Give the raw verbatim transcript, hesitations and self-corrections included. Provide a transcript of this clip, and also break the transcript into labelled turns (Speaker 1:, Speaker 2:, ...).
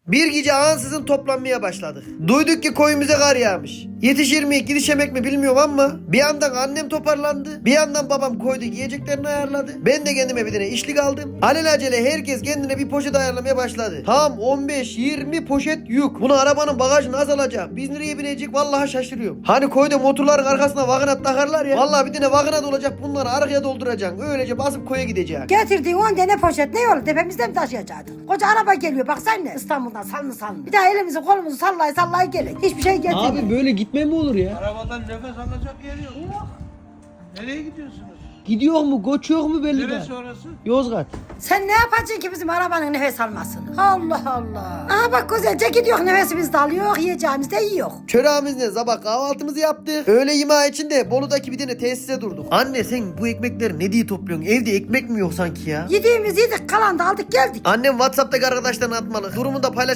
Speaker 1: Bir gece ansızın toplanmaya başladık. Duyduk ki koyumuza kar yağmış. Yetişir mi yetişemek mi bilmiyorum ama bir yandan annem toparlandı. Bir yandan babam koydu yiyeceklerini ayarladı. Ben de kendime bir tane işlik aldım. Alelacele herkes kendine bir poşet ayarlamaya başladı. Tam on beş yirmi poşet yük. Bunu arabanın bagajı nasıl alacak? Biz nereye binecek? Vallahi şaşırıyorum. Hani koyda motorların arkasına vagonat takarlar ya. Vallahi bir tane vagonat olacak, bunları arkaya dolduracaksın. Öylece basıp koya gideceksin.
Speaker 2: Getirdiğin on tane poşet ne olur tepemizde mi taşıyacaktık? Koca araba geliyor baksana İstanbul'dan salını salını. Bir daha elimizi kolumuzu sallay sallay gelin. Hiçbir şey getirmiyor.
Speaker 1: Abi böyle gitme mi olur ya?
Speaker 3: Arabadan nefes alacak yer yok. Yok. Nereye gidiyorsunuz?
Speaker 1: Gidiyor mu, koçuyor mu belli değil.
Speaker 3: Neresi orası?
Speaker 1: Yozgat.
Speaker 2: Sen ne yapacaksın ki bizim arabanın nefes almasını? Allah Allah. Aha bak güzelce gidiyor nefesimizi de alıyor yiyeceğimizi de yiyor.
Speaker 1: Çöreğimizle sabah kahvaltımızı yaptık. Öğle yemeği için de Bolu'daki bir tane tesise durduk. Anne sen bu ekmekleri ne diye topluyorsun? Evde ekmek mi yok sanki ya?
Speaker 2: Yediğimizi yedik kalan da aldık geldik.
Speaker 1: Annem WhatsApp'taki arkadaşlarına atmalı. Durumu da paylaş.